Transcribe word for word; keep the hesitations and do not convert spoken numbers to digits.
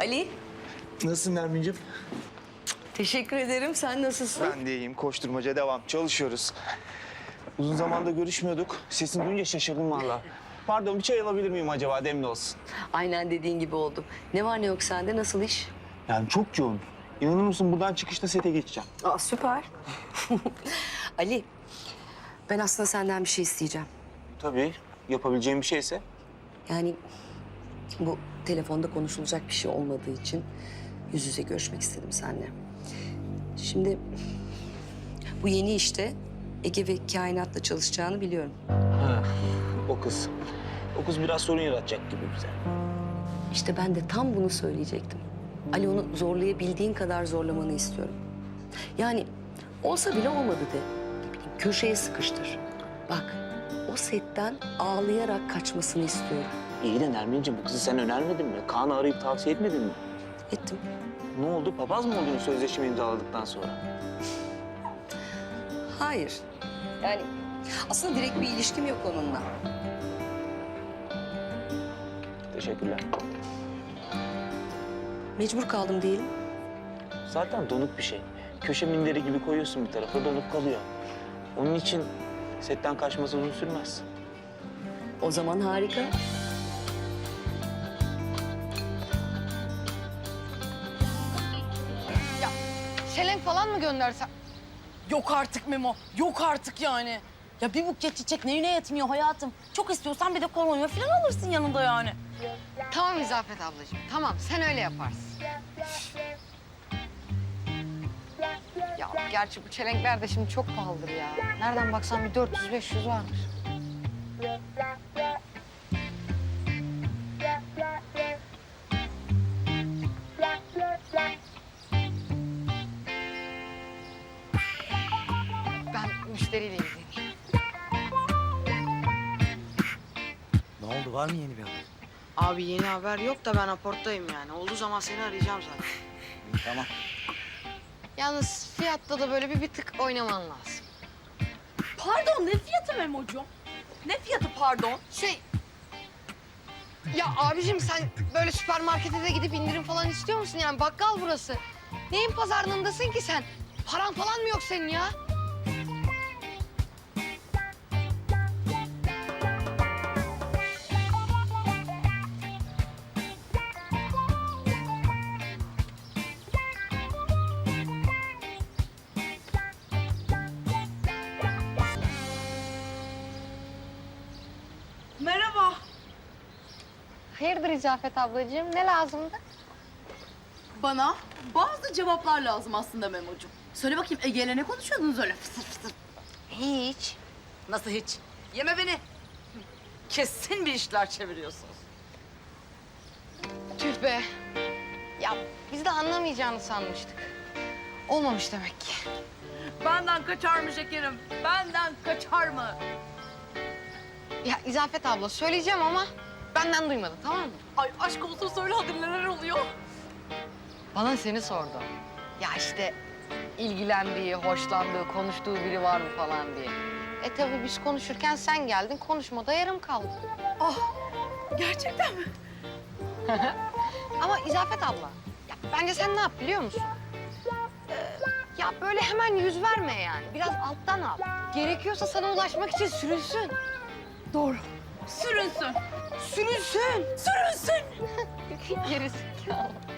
Ali. Nasılsın Nermin'cim? Teşekkür ederim. Sen nasılsın? Ben de iyiyim. Koşturmaca devam. Çalışıyoruz. Uzun zamanda görüşmüyorduk. Sesini duyunca şaşırdım valla. Pardon, bir çay alabilir miyim acaba? Demli olsun. Aynen dediğin gibi oldu. Ne var ne yok sende? Nasıl iş? Yani çok yoğun. İnanır mısın, buradan çıkışta sete geçeceğim. Aa, süper. Ali, ben aslında senden bir şey isteyeceğim. Tabii. Yapabileceğim bir şeyse. Yani bu telefonda konuşulacak bir şey olmadığı için yüz yüze görüşmek istedim seninle. Şimdi bu yeni işte Ege ve kainatla çalışacağını biliyorum. Ha, o kız. O kız biraz sorun yaratacak gibi bize. İşte ben de tam bunu söyleyecektim. Ali, onu zorlayabildiğin kadar zorlamanı istiyorum. Yani olsa bile olmadı de. Ne bileyim, köşeye sıkıştır. Bak, o setten ağlayarak kaçmasını istiyorum. İyi de Nermin'ciğim, bu kızı sen önermedin mi? Kaan'ı arayıp tavsiye etmedin mi? Ettim. Ne oldu? Papaz mı oldun sözleşme imzaladıktan sonra? Hayır. Yani aslında direkt bir ilişkim yok onunla. Teşekkürler. Mecbur kaldım diyelim. Zaten donuk bir şey. Köşe minderi gibi koyuyorsun bir tarafa, donuk kalıyor. Onun için setten kaçması uzun sürmez. O zaman harika. Ya şelenk falan mı göndersem? Yok artık Memo, yok artık yani. Ya bir buket çiçek neyine yetmiyor hayatım? Çok istiyorsan bir de kolonya falan alırsın yanında yani. Tamam İzafet ablacığım, tamam sen öyle yaparsın. Ya gerçi bu çelenkler de şimdi çok pahalıdır ya. Nereden baksan bir dört yüz beş yüz vardır. Ben müşteriyle ilgileneyim. Ne oldu? Var mı yeni bir haber? Abi yeni haber yok da ben aporttayım yani. Olduğu zaman seni arayacağım zaten. İyi, tamam. Yalnız fiyatta da böyle bir, bir tık oynaman lazım. Pardon, ne fiyatı Memo'cuğum? Ne fiyatı pardon? Şey... Ya abicim sen böyle süpermarkete de gidip indirim falan istiyor musun? Yani bakkal burası. Neyin pazarlığındasın ki sen? Paran falan mı yok senin ya? Merhaba. Hayırdır İzafet ablacığım? Ne lazımdı? Bana bazı cevaplar lazım aslında Memo'cuğum. Söyle bakayım, Ege'yle ne konuşuyordunuz öyle fısır fısır? Hiç. Nasıl hiç? Yeme beni. Kesin bir işler çeviriyorsunuz. Tüh be. Ya biz de anlamayacağını sanmıştık. Olmamış demek ki. Benden kaçar mı şekerim? Benden kaçar mı? Ya İzafet abla söyleyeceğim ama benden duymadın, tamam mı? Ay aşk olsun söyle hadi, neler oluyor? Bana seni sordu. Ya işte ilgilendiği, hoşlandığı, konuştuğu biri var mı falan diye. E tabii biz konuşurken sen geldin, konuşmada yarım kaldı. Ah, gerçekten mi? Ama İzafet abla, ya bence sen ne yap biliyor musun? Ee, ya böyle hemen yüz verme yani. Biraz alttan al. Gerekiyorsa sana ulaşmak için sürünsün. Doğru. Sürünsün. Sürünsün. Sürünsün. Gerisi.